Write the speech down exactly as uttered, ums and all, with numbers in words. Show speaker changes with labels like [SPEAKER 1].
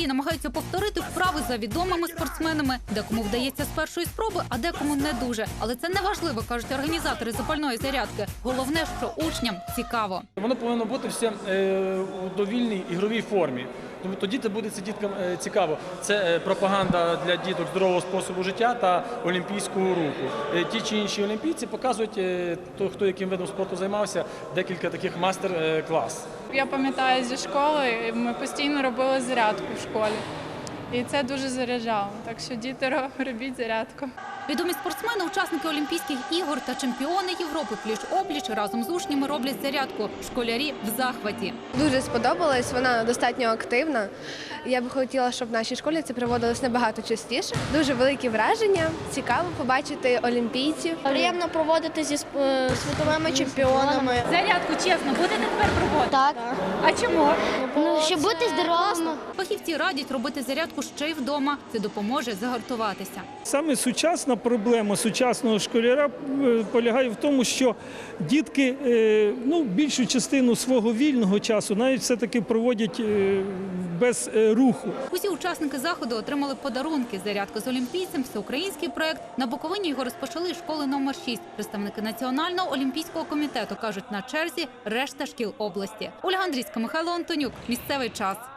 [SPEAKER 1] намагаються повторити вправи за відомими спортсменами. Декому вдається з першої спроби, а декому не дуже. Але це не важливо, кажуть організатори запальної зарядки. Головне, що учням цікаво.
[SPEAKER 2] Воно повинно бути все е, у довільній ігровій формі. Тому тоді це буде це діткам е, цікаво. Це е, пропаганда для діток здорового способу життя та олімпійського руху. Е, ті чи інші олімпійці показують, е, то, хто яким видом спорту займався, декілька таких мастер-клас.
[SPEAKER 3] Я пам'ятаю зі школи, ми постійно робили зарядку в школі. І це дуже заряджало. Так що діти, робіть зарядку.
[SPEAKER 1] Відомі спортсмени, учасники Олімпійських ігор та чемпіони Європи пліч-опліч разом з учнями роблять зарядку. Школярі в захваті.
[SPEAKER 4] Дуже сподобалось, вона достатньо активна. Я б хотіла, щоб в нашій школі це проводилось набагато частіше. Дуже великі враження, цікаво побачити олімпійців.
[SPEAKER 5] Приємно проводити зі сп- світовими чемпіонами.
[SPEAKER 1] Зарядку, чесно, будете тепер проводити?
[SPEAKER 5] Так.
[SPEAKER 1] А чому?
[SPEAKER 5] Ну, щоб бути здоровими.
[SPEAKER 1] Фахівці радять робити зарядку ще й вдома. Це допоможе загартуватися.
[SPEAKER 6] Саме сучасна проблема сучасного школяра е, полягає в тому, що дітки е, ну, більшу частину свого вільного часу навіть все-таки проводять е, без е, руху.
[SPEAKER 1] Усі учасники заходу отримали подарунки. Зарядка з олімпійцем – всеукраїнський проект. На Буковині його розпочали школи номер шість. Представники Національного олімпійського комітету кажуть, на черзі решта шкіл області. Ольга Андрійська, Михайло Антонюк. Місцевий час.